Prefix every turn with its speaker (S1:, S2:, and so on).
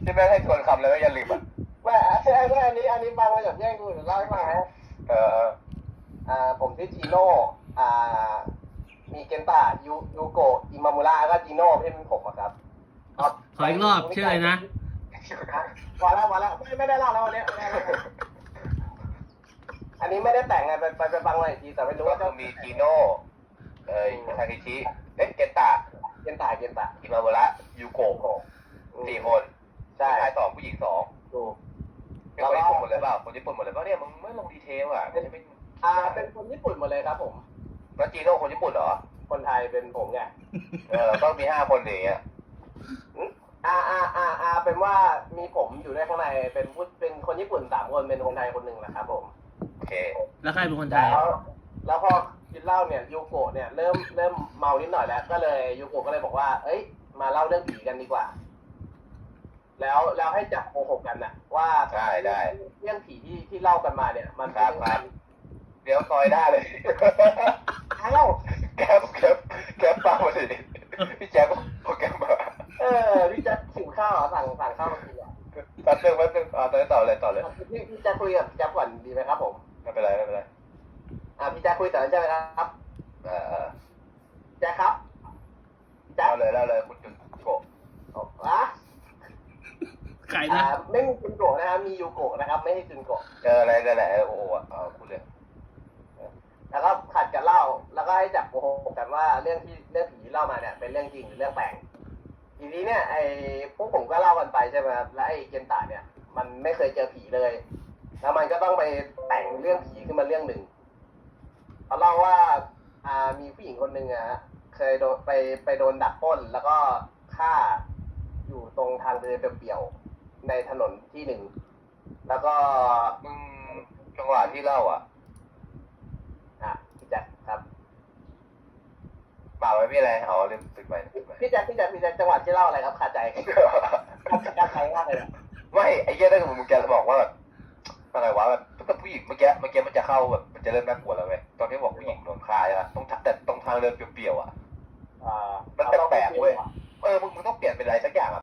S1: ที่แม่ให้ทวนคำเลยว่าอย่าลืมอ่ะ
S2: ไม่อันนี้บางมาจากแย่งกูเดี๋ยวเล่าให้ฟังนะผมชื่อจีโน่มีเกนตายูโกะอิมามุระก็จีโน่ที่เป็นผมครับ
S3: ขออีกรอบชื่ออะไรนะ
S2: พอแล้วไม่ได้เล่าแล้ววันนี้อันนี้ไม่ได้แต่งไงไปฟังมาอีกทีแต่ไม่รู้ว่า
S1: ก็มีจีโน่ทาเคชิเกนตาอิมามุระยูโกะ4 คนชาย2ผู้หญิง2
S2: ถูก
S1: เป็นคนญี่ปุ่นหมดเลยเปล่าคนญี่ปุ่นหมดเลยเปล่าเนี่ยมึงไม่ลงดีเทลอ่ะมันจะเป็น
S2: เป็นคนญี่ปุ่นหมดเลยครับผม
S1: แล้วจีโน่คนญี่ปุ่นเหรอ
S2: คนไทยเป็นผมไง
S1: ต้องมี5 คนอย่างเงี้ย
S2: เป็นว่ามีผมอยู่ด้วยข้างในเป็นคนญี่ปุ่น3 คนเป็นคนไทยคนหนึ่งนะครับผม
S1: โอเค
S3: แล้วใครเป็นคนไทย
S2: แล้วพอกินเหล้าเนี่ยยูโกะเนี่ยเริ่มเมานิดหน่อยแล้วก็เลยยูโกะก็เลยบอกว่าเอ้ยมาเล่าเรื่องผีกันดีกว่าแล้วให้จับโกหกกันน่ะว่า
S1: ได้
S2: เรื่องผีที่เล่ากันมาเนี่ยมัน
S1: ครับเดี๋ยวซอยได้เลยแก๊ปฟังมาดิพี่แจ๊คก็แก๊ปมา
S2: พี่แจ๊คหิวข้าวสั่งข้าวมากิน
S1: แป๊บนึงตอนนี้ต่อเลย
S2: พี่แจ๊คคุยกับพี่แจ๊คก่อนดีไหมครับผม
S1: ไม่เป็นไร
S2: พี่แจ๊คคุยต่อใช่ไหมครับแจ๊คครับ
S1: เล่าเลยคุณจุนโกะ
S3: ใครนะ
S2: ไม่มีจุนโกะนะครับมียูโกะนะครับไม่ใช่จุนโกะ
S1: อะไรกันแหละโอ้โหพูดเลย
S2: แล้วก็ขัดกันเล่าแล้วก็ให้จับโกหกกันว่าเรื่องผีเล่ามาเนี่ยเป็นเรื่องจริงหรือเรื่องแต่งทีนี้เนี่ยพวกผมก็เล่ากันไปใช่ไหมครับและไอ้เกนตาเนี่ยมันไม่เคยเจอผีเลยแล้วมันก็ต้องไปแต่งเรื่องผีขึ้นมาเรื่องหนึ่งเขาเล่าว่ามีผู้หญิงคนหนึ่งเคยไปโดนดักปล้นแล้วก็ฆ่าอยู่ตรงทางเดินเปลี่ยวในถนนที่หนึ่งแล้วก็
S1: จังหวะที่เล่า
S2: พี่แจ๊คครับ
S1: เปล่าไม่มีอะไรลืมตึกไป
S2: พี่แจ๊คจังหวะที่เล่าอะไรครับขาดใจขาดใจมากเลย
S1: ไม่ไอ้เหี้ยถ้ามึงแกบอกว่าแบบอะไรวะแบบถ้าผู้หญิงเมื่อกี้มันจะเข้าแบบมันจะเริ่มน่ากลัวแล้วเว้ยตอนที่บอกผู้หญิงโดนฆ่าใช่ปะแต่ตรงทางเดินเปลี่ยวมันแปลกๆเว้ยมึงต้องเปลี่ยนเป็นอะไรสักอย่าง